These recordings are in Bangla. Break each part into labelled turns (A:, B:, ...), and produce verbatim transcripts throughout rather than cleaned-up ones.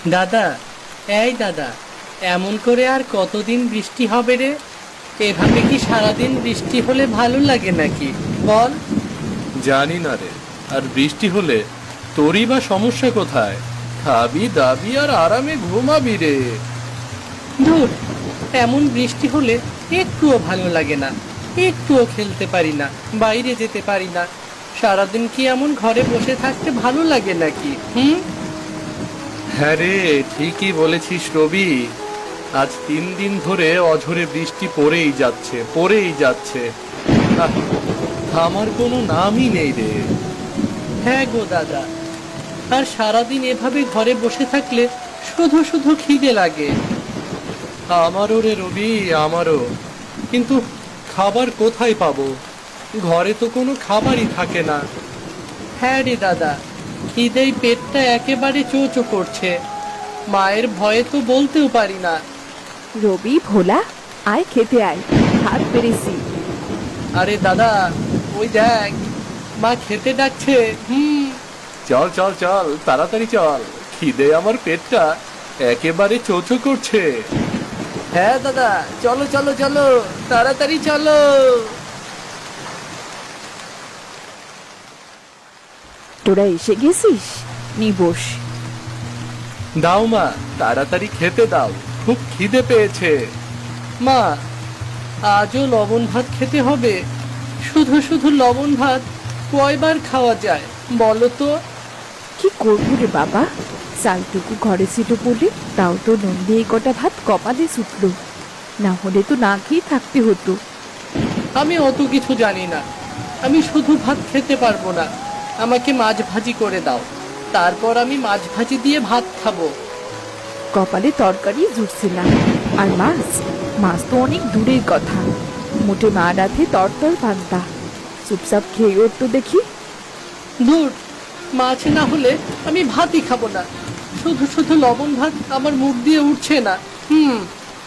A: দাদা, এই দাদা, এমন করে আর কতদিন বৃষ্টি হবে রে? এভাবে কি সারাদিন বৃষ্টি হলে ভালো লাগে নাকি বল?
B: জানি না রে। আর বৃষ্টি হলে তোরই বা সমস্যা কোথায়? খাবি দাবি আর আরামে ঘুমাবি রে।
A: ধুর, এমন বৃষ্টি হলে একটুও ভালো লাগে না, একটুও খেলতে পারি না, বাইরে যেতে পারি না। সারাদিন কি এমন ঘরে বসে থাকতে ভালো লাগে নাকি? হুম।
B: হ্যাঁ রে, ঠিকই বলেছিস রবি। আজ তিন দিন ধরে অঝরে বৃষ্টি পড়েই যাচ্ছে, পড়েই যাচ্ছে। আহ, থামার কোনো নামই নেই রে।
A: হ্যাঁ গো দাদা, আর সারাদিন এভাবে ঘরে বসে থাকলে শুধু শুধু খিদে লাগে।
B: আমারও রে রবি, আমারও। কিন্তু খাবার কোথায় পাবো? ঘরে তো কোনো খাবারই থাকে না।
A: হ্যাঁ রে দাদা, খিদেই পেটটা একেবারে চোচো করছে। মায়ের ভয়ে তো বলতেও পারি না।
C: রবি, ভোলা, আয় খেতে আয়, ভাত পেরেছি।
A: আরে দাদা, ওই দেখ, মা খেতে ডাকছে। হুম।
B: চল চল চল, তাড়াতাড়ি চল, খিদে আমার পেটটা একেবারে চোচো করছে।
A: হ্যাঁ দাদা, চলো চলো চলো, তাড়াতাড়ি চলো।
C: তোরা এসে গেছিস? নি বস।
B: দাও মা, তাড়াতাড়ি খেতে দাও, খুব খিদে পেয়েছে।
A: মা, আজও লবণ ভাত খেতে হবে? শুধু শুধু লবণ ভাত কয়বার খাওয়া যায় বলো তো?
C: কি করবো রে বাবা, চালটুকু ঘরে ছিল বলে তাও তো নুন দিয়ে কটা ভাত কপালে ছুটল, না হলে তো না খেয়ে থাকতে হতো।
A: আমি অত কিছু জানি না, আমি শুধু ভাত খেতে পারবো না। আমাকে মাছ ভাজি করে দাও, তারপর আমি মাছ ভাজি দিয়ে ভাত খাবো।
C: কপালে তরকারি জুটছে না, আর মাছ, মাছ তো অনেক দূরের কথা, মোটে মা রাতে তরতর পান্তা। চুপচাপ খেয়ে উঠতো দেখি।
A: দূর, মাছ না হলে আমি ভাতই খাবো না। শুধু শুধু লবণ ভাত আমার মুখ দিয়ে উঠছে না। হুম।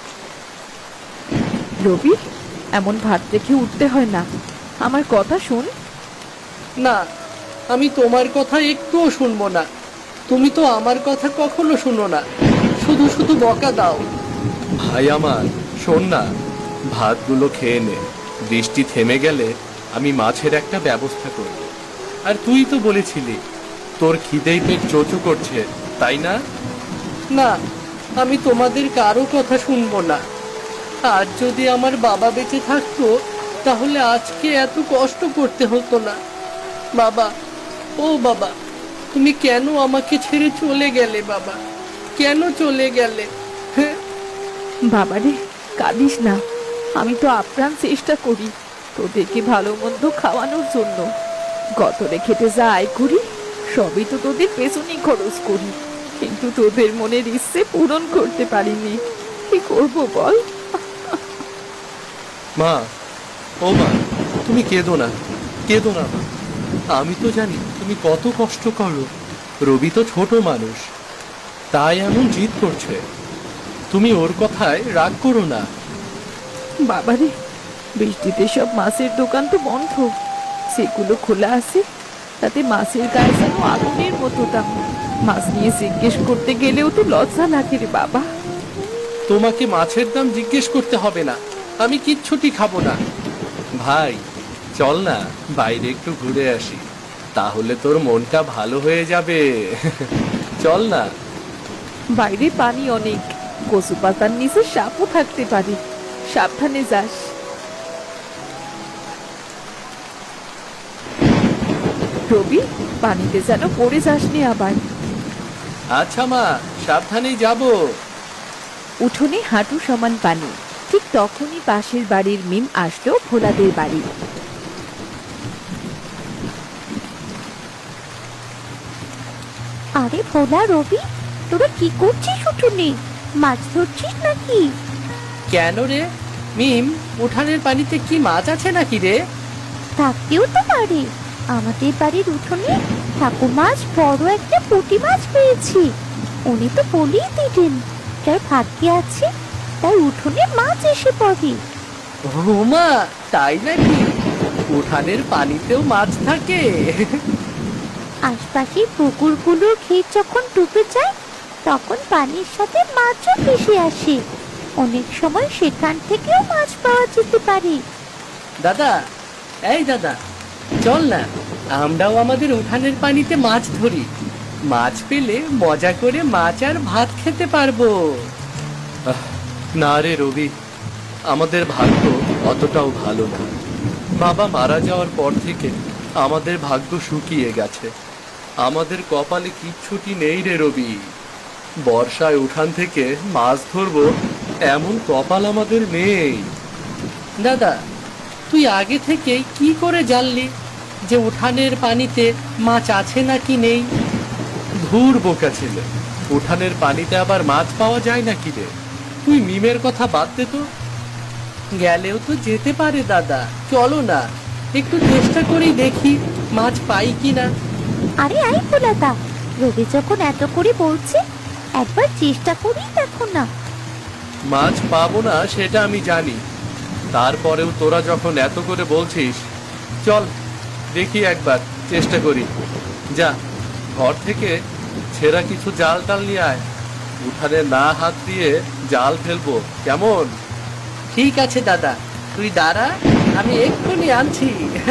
C: রবি, এমন ভাত রেখে উঠতে হয় না, আমার কথা শোন।
A: না, আমি তোমার কথা একটুও শুনবো না। তুমি তো আমার কথা কখনো শুনো না, শুধু শুধু বকা দাও।
B: ভাই আমার, শোন না, ভাতগুলো খেয়ে নে। বৃষ্টি থেমে গেলে আমি মাছের একটা ব্যবস্থা করব। আর তুই তো বলেছিলি তোর খিদেই পেট চোচো করছে, তাই না?
A: না, আমি তোমাদের কারো কথা শুনবো না। আজ যদি আমার বাবা বেঁচে থাকতো, তাহলে আজকে এত কষ্ট করতে হতো না। বাবা, ও বাবা, তুমি কেন আমাকে ছেড়ে চলে গেলে বাবা? কেন চলে গেলে? হ্যাঁ।
C: বাবারে, কাঁদিস না, আমি তো আপ্রাণ চেষ্টা করি তোদেরকে ভালো মন্দ খাওয়ানোর জন্য। গতরে খেতে যা আয় করি, সবই তো তোদের পেছনেই খরচ করি, কিন্তু তোদের মনের ইচ্ছে পূরণ করতে পারিনি। কি করব বল?
B: মা, ও মা, তুমি কেঁদো না, কেঁদো না মা। আমি তো জানি তুমি কত কষ্ট করো। রবি তো ছোট মানুষ, তাই এমন জিদ করছে। তুমি ওর কথায় রাগ করো না।
C: বাবারে, বৃষ্টিতে সব মাছের দোকান তো বন্ধ, সেগুলো খোলা আছে, তাতে মাছের গায়ে যেন আগুনের মতো দাম। মাছ নিয়ে জিজ্ঞেস করতে গেলেও তো লজ্জা লাগে রে বাবা।
A: তোমাকে মাছের দাম জিজ্ঞেস করতে হবে না, আমি কিচ্ছুটি খাবো না।
B: ভাই, চল না বাইরে একটু ঘুরে আসি, তাহলে তোর মনটা ভালো হয়ে যাবে। চল না।
C: বাইরে পানি অনেক, কচু পাতার নিচে সাপও থাকতে পারে, সাবধানে যাস। রবি, পানিতে যেন পড়ে যাসনি আবার।
B: আচ্ছা মা, সাবধানেই যাব।
C: উঠোনে হাঁটু সমান পানি। ঠিক তখনই পাশের বাড়ির মিম আসলো ভোলাদের বাড়ি।
D: আরে ভোলা, রবি, তোরা কি করছিস উঠোনে? মাছ ধরছিস নাকি?
A: কেন রে মিম, উঠানের পানিতে কি মাছ আছে নাকি রে?
D: থাকতেও তো পারে। আমাদের বাড়ির উঠোনে ঠাকুমা আজ বড় একটা পুঁটি মাছ পেয়েছি। উনি তো বলেই দিলেন, যার ভাগ্যে আছে তার উঠোনে মাছ এসে পড়ে।
A: ও মা, তাই নাকি? উঠানের পানিতেও মাছ থাকে?
D: আশপাশের পুকুরগুলোর ক্ষেত যখন ডুবে যায়, তখন পানির সাথে মাছও ভেসে আসে। অনেক সময় সেখান থেকেও মাছ পাওয়া যেতে পারে।
A: দাদা, এই দাদা, চল না আমরাও আমাদের উঠানের পানিতে মাছ ধরি। মাছ পেলে মজা করে মাছ আর ভাত খেতে পারবো।
B: আহ, না রে রবি, আমাদের ভাগ্য অতটাও ভালো না। বাবা মারা যাওয়ার পর থেকে আমাদের ভাগ্য শুকিয়ে গেছে। আমাদের কপালে কিচ্ছুটি নেই রে রবি। বর্ষায় উঠান থেকে মাছ ধরবো এমন কপাল আমাদের নেই।
A: দাদা, তুই আগে থেকে কি করে জানলি যে উঠানের পানিতে মাছ আছে নাকি নেই?
B: ধুর বোকা ছেলে, উঠানের পানিতে আবার মাছ পাওয়া যায় নাকি রে? তুই মিমের কথা বাদ দে তো।
A: গেলেও তো যেতে পারে দাদা, চলো না একটু চেষ্টা করেই দেখি মাছ পাই কিনা।
D: আরে আই ভোলাদা, রবি যখন এত করে বলছে একবার চেষ্টা করেই দেখো না।
B: মাছ পাবো না সেটা আমি জানি, তারপরেও তোরা যখন এত করে বলছিস, চল দেখি একবার চেষ্টা করি। যা, ঘর থেকে ছেঁড়া কিছু জাল টাল নিয়ে আয়। উঠানে না হাত দিয়ে জাল ফেলবো, কেমন?
A: ঠিক আছে দাদা, তুই দাঁড়া, আমি এক্ষুনি আনছি।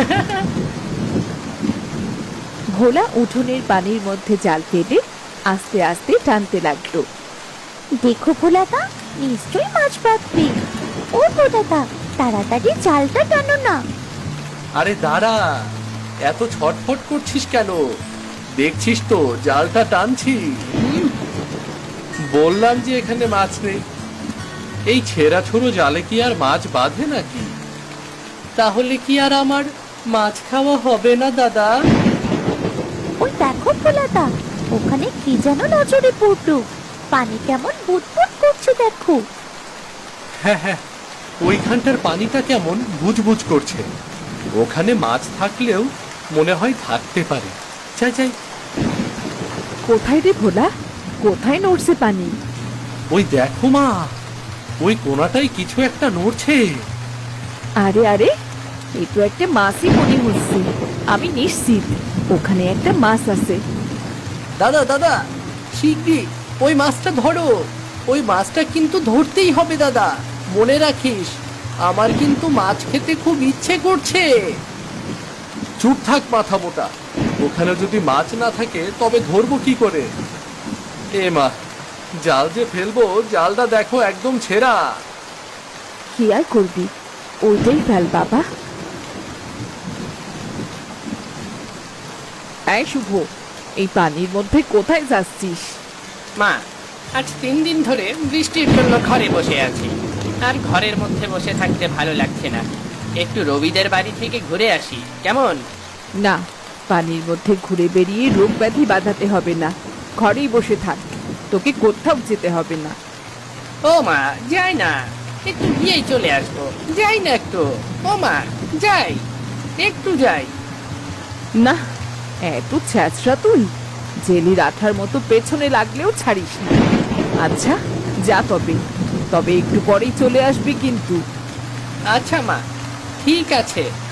C: ভোলা উঠোনের পানির মধ্যে জাল ফেলে আস্তে আস্তে টানতে লাগলো।
D: দেখো ভোলাদা, নিশ্চয়ই মাছ পাবে। ও ভোলাদা, তাড়াতাড়ি জালটা টানো না।
B: আরে দাঁড়া, এত ছটফট করছিস কেন? দেখছিস তো জালটা টানছি। হুম? বললাম যে এখানে মাছ নেই। এই ছেঁড়া ছোড়ো জালে কি আর মাছ বাঁধে নাকি?
A: তাহলে কি আর আমার মাছ খাওয়া হবে না দাদা?
D: ওই দেখো ভোলাদা, ওখানে কি যেন নজরে পড়লো। পানি কেমন বুদবুদ করছে দেখো।
B: হ্যাঁ হ্যাঁ, ওইখানটার পানিটা কেমন বুজবুজ করছে। ওখানে মাছ থাকলেও মনে হয় থাকতে পারে। চাই চাই,
C: কোথায় রে ভোলা? কোথায় নড়ছে পানি?
B: ওই দেখো মা, ওই কোনাটায় কিছু একটা নড়ছে।
C: আরে আরে, এ তো একটা মাছই মনে হচ্ছে। আমি নিশ্চিত ওখানে একটা মাছ আছে।
A: দাদা দাদা, শিগগির ওই মাছটা ধরো। ওই মাছটা কিন্তু ধরতেই হবে দাদা, মনে রাখিস। আমার কিন্তু মাছ খেতে খুব ইচ্ছে করছে।
B: চুপ থাক মাথা মোটা, ওখানে যদি মাছ না থাকে তবে ধরবো কি করে? এ মা, জাল যে ফেলবো, জালটা দেখো একদম ছেঁড়া।
C: কি আর করবি, ওইটাই ফেল বাবা। এই শুভ, এই পানির মধ্যে কোথায় যাচ্ছিস?
E: মা, আজ তিন দিন ধরে বৃষ্টির জন্য ঘরে বসে আছি, আর ঘরের মধ্যে বসে থাকতে ভালো লাগছে না। একটু রবিদের বাড়ি থেকে ঘুরে আসি, কেমন?
C: না, পানির মধ্যে ঘুরে বেরিয়ে রোগ ব্যাধি বাঁধাতে হবে না। ঘরেই বসে থাক, তোকে কোথাও যেতে হবে না।
E: ও মা, যাই না, একটু গিয়েই চলে আসবো। যাই না একটু। ও মা, যাই, একটু যাই।
C: না, এত ছ্যাঁচড়া তুই, জেলির আঠার মতো পেছনে লাগলেও ছাড়িস না। আচ্ছা যা, তবে তবে একটু পরেই চলে আসবি কিন্তু।
E: আচ্ছা মা, ঠিক আছে।